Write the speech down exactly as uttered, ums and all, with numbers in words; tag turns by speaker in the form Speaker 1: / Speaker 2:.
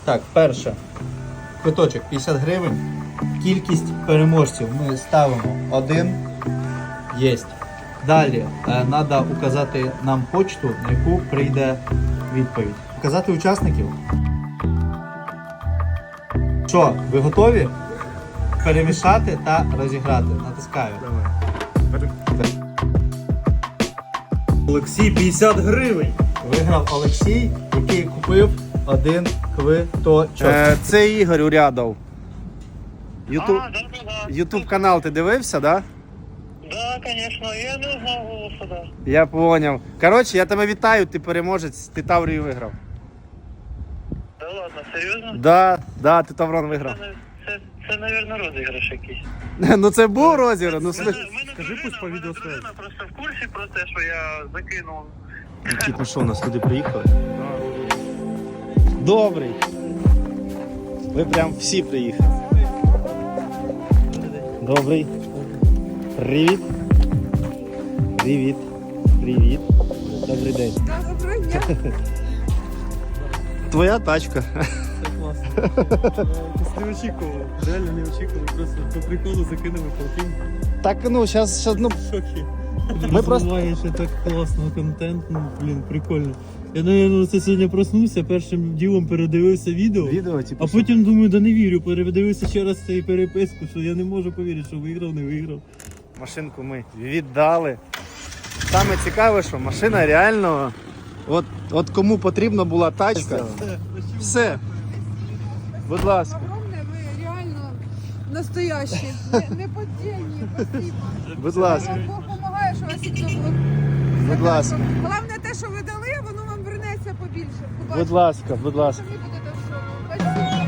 Speaker 1: Так, перше. Квиточок п'ятдесят гривень. Кількість переможців ми ставимо один. Єсть. Далі треба указати нам почту, на яку прийде відповідь. Указати учасників. Що, ви готові? Перемішати та розіграти. Натискаю.
Speaker 2: Олексій, п'ятдесят гривень.
Speaker 1: Виграв Олексій, який купив один квиточок.
Speaker 3: Е, це Ігор Урядов. Ютуб,
Speaker 4: А, да, да, да.
Speaker 3: Ютуб канал ти дивився, да?
Speaker 4: Да, конечно, я не знав голосу, да.
Speaker 3: Я поняв. Коротше, я тебе вітаю, ти переможець, ти Таврію виграв.
Speaker 4: Да ладно, серйозно?
Speaker 3: Да, да, ти Таврон виграв.
Speaker 4: Це, це, це, навірно, розіграш якийсь.
Speaker 3: Ну це був розіграш, ну
Speaker 4: Мене,
Speaker 3: слухай.
Speaker 4: мене
Speaker 2: Скажи,
Speaker 4: дружина,
Speaker 2: пусть по
Speaker 4: мене
Speaker 2: відеосвязі.
Speaker 4: дружина просто в курсі про те, що я закинув.
Speaker 3: Кіт, ну що, у нас люди приїхали? Добрий. Ви прям всі приїхали. Добрий. Привіт. Привіт. Привіт. Добрий день.
Speaker 5: Доброго дня.
Speaker 3: Твоя тачка.
Speaker 2: Це класно. Якось не очікував. Реально не очікував. Просто по приколу закинули полтинь.
Speaker 3: Так, ну, зараз, ну,
Speaker 2: В шокі.
Speaker 3: Ми просто-
Speaker 2: Розвиваєш і так класного контенту. Ну, блін, прикольно. Я, наверное, це сьогодні проснувся, першим ділом передивився відео.
Speaker 3: відео, типу,
Speaker 2: А потім думаю, да не вірю, передивився ще раз цей переписку, що я не можу повірити, що виграв, не виграв.
Speaker 3: машинку ми віддали. Саме цікаве, що машина реально, от, от кому потрібна була тачка, все. Будь ласка,
Speaker 5: Огромне, ви реально настоящі, не, не поддельні, спасибо.
Speaker 3: будь ласка,
Speaker 5: Вам Бог допомагає, що вас і було.
Speaker 3: будь ласка,
Speaker 5: Головне те, що ви дали, воно вам вернеться побільше.
Speaker 3: будь ласка, будь ласка.
Speaker 5: Самі будете в шоку. Спасибо.